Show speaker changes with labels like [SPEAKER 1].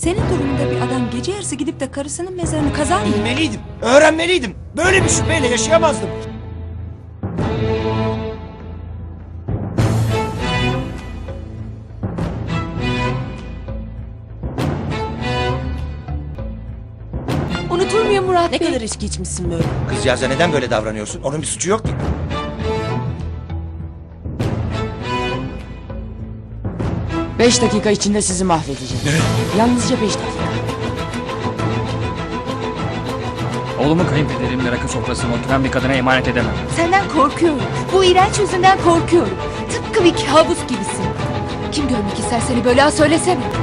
[SPEAKER 1] Senin durumunda bir adam gece yarısı gidip de karısının mezarını kazar mı?
[SPEAKER 2] Bilmeliydim, öğrenmeliydim. Böyle bir şüpheyle yaşayamazdım.
[SPEAKER 1] Unutulmuyor Murat
[SPEAKER 3] Ne
[SPEAKER 1] Bey.
[SPEAKER 3] kadar içki içmişsin böyle?
[SPEAKER 2] Kızcağıza neden böyle davranıyorsun? Onun bir suçu yok ki.
[SPEAKER 3] 5 dakika içinde sizi mahvedeceğim. Yalnızca 5 dakika.
[SPEAKER 4] Oğlumu kayınpederimin rakı sofrasına oturan bir kadına emanet edemem.
[SPEAKER 1] Senden korkuyorum. Bu iğrenç yüzünden korkuyorum. Tıpkı bir kabus gibisin. Kim görmek ister seni böyle, söylesene.